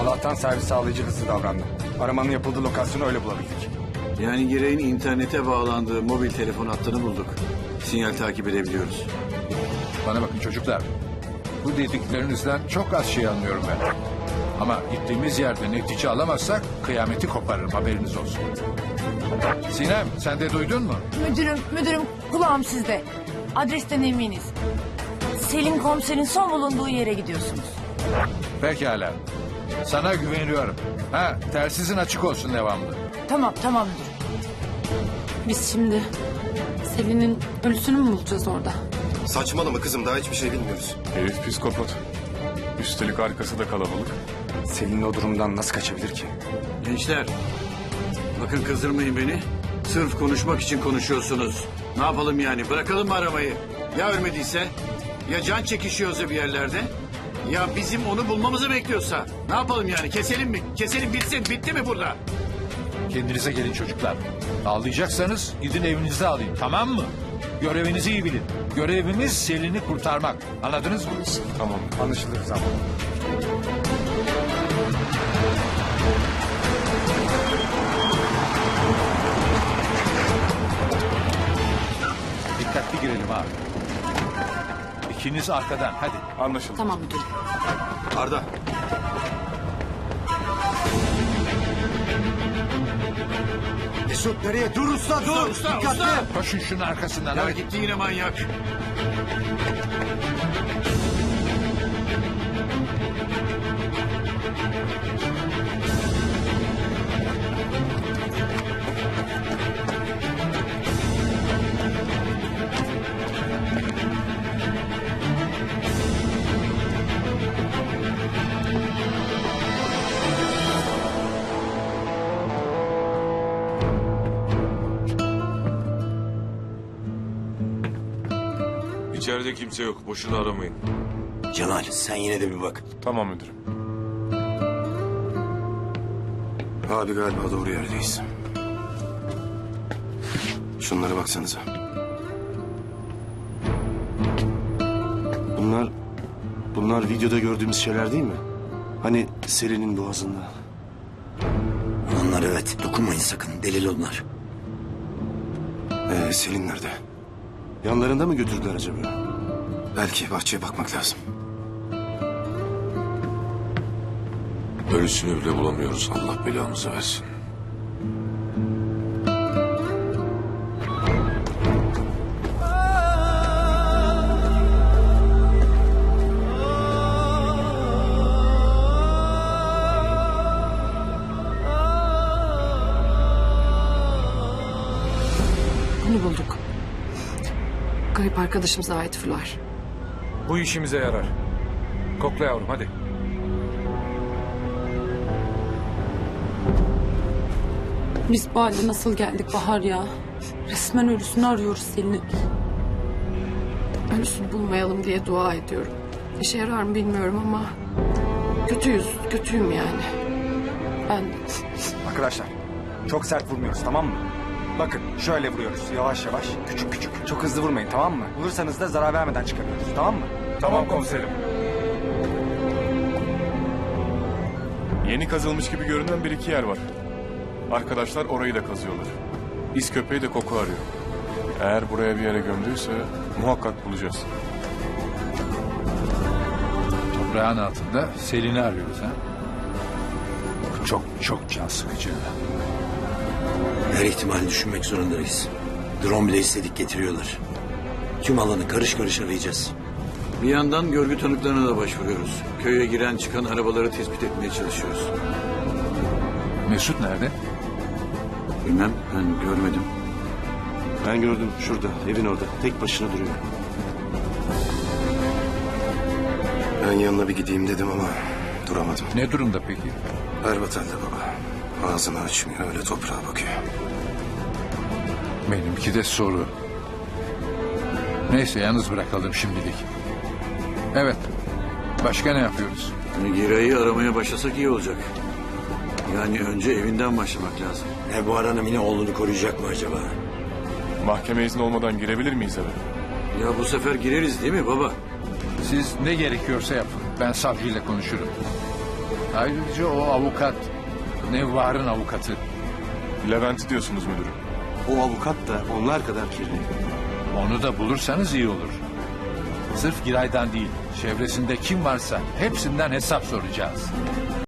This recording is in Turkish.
Allah'tan servis sağlayıcı hızlı davrandı. Aramanın yapıldığı lokasyonu öyle bulabildik. Yani Giray'ın internete bağlandığı mobil telefon hattını bulduk. Sinyal takip edebiliyoruz. Bana bakın çocuklar. Bu dediklerinizden çok az şey anlıyorum ben. Ama gittiğimiz yerde netice alamazsak kıyameti koparırım, haberiniz olsun. Sinem, sen de duydun mu? Müdürüm kulağım sizde. Adresten eminiz. Selin komiserin son bulunduğu yere gidiyorsunuz. Pekala. Sana güveniyorum. Ha, telsizin açık olsun devamlı. Tamam müdürüm. Biz şimdi Selin'in ölüsünü mü bulacağız orada? Saçmalama kızım, daha hiçbir şey bilmiyoruz. Herif psikopat. Üstelik arkası da kalabalık. Selin o durumdan nasıl kaçabilir ki? Gençler, bakın kızdırmayın beni. Sırf konuşmak için konuşuyorsunuz. Ne yapalım yani, bırakalım mı aramayı? Ya ölmediyse? Ya can çekişiyorsa bir yerlerde? Ya bizim onu bulmamızı bekliyorsa? Ne yapalım yani, keselim mi? Keselim bitsin, bitti mi burada? Kendinize gelin çocuklar. Ağlayacaksanız gidin evinizde ağlayın, tamam mı? Görevinizi iyi bilin. Görevimiz Selin'i kurtarmak. Anladınız mı? Tamam. Anlaşılır zaman. Dikkatli girelim abi. İkiniz arkadan, hadi. Anlaşıldı. Tamam müdürüm. Arda. Mesut nereye? Dur usta dur. Usta, Dikkatli. usta! Koşun şunun arkasından. Ya hadi. gitti yine manyak. İçeride kimse yok. Boşuna aramayın. Cemal, sen yine de bir bak. Tamam müdürüm. Abi galiba doğru yerdeyiz. Şunlara baksanıza. Bunlar videoda gördüğümüz şeyler değil mi? Hani Selin'in boğazında. Onlar evet. Dokunmayın sakın. Delil onlar. Selin nerede? Yanlarında mı götürdüler acaba? Belki bahçeye bakmak lazım. Ölüsünü bile bulamıyoruz. Allah belamızı versin. Bunu bulduk. Kayıp arkadaşımıza ait fular. Bu işimize yarar. Kokla yavrum hadi. Biz bu halde nasıl geldik Bahar ya? Resmen ölüsünü arıyoruz Selin'in. Ölüsünü bulmayalım diye dua ediyorum. İşe yarar mı bilmiyorum ama... kötüyüm yani. Ben Arkadaşlar çok sert vurmuyoruz, tamam mı? Bakın şöyle vuruyoruz, yavaş yavaş, küçük küçük. Çok hızlı vurmayın, tamam mı? Vurursanız da zarar vermeden çıkarıyoruz, tamam mı? Tamam komiserim. Yeni kazılmış gibi görünen bir iki yer var. Arkadaşlar orayı da kazıyorlar. İz köpeği de koku arıyor. Eğer buraya bir yere gömdüyse muhakkak bulacağız. Toprağın altında Selin'i arıyoruz ha. Bu çok can sıkıcı. Her ihtimali düşünmek zorundayız. Drone bile istedik getiriyorlar. Tüm alanı karış karış arayacağız. Bir yandan görgü tanıklarına da başvuruyoruz. Köye giren çıkan arabaları tespit etmeye çalışıyoruz. Mesut nerede? Bilmem, ben görmedim. Ben gördüm şurada, evin orada. Tek başına duruyor. Ben yanına bir gideyim dedim ama duramadım. Ne durumda peki? Berbat halde baba. Ağzını açmıyor, öyle toprağa bakıyor. Benimki de soru. Neyse yalnız bırakalım şimdilik. Evet. Başka ne yapıyoruz? Giray'ı aramaya başlasak iyi olacak. Yani önce evinden başlamak lazım. Ebu Hanım yine oğlunu koruyacak mı acaba? Mahkeme izni olmadan girebilir miyiz eve? Ya bu sefer gireriz değil mi baba? Siz ne gerekiyorsa yapın. Ben savcıyla konuşurum. Ayrıca o avukat, Nevvar'ın avukatı. Levent'i diyorsunuz müdürüm. O avukat da onlar kadar kirli. Onu da bulursanız iyi olur. Sırf Giray'dan değil, çevresinde kim varsa hepsinden hesap soracağız.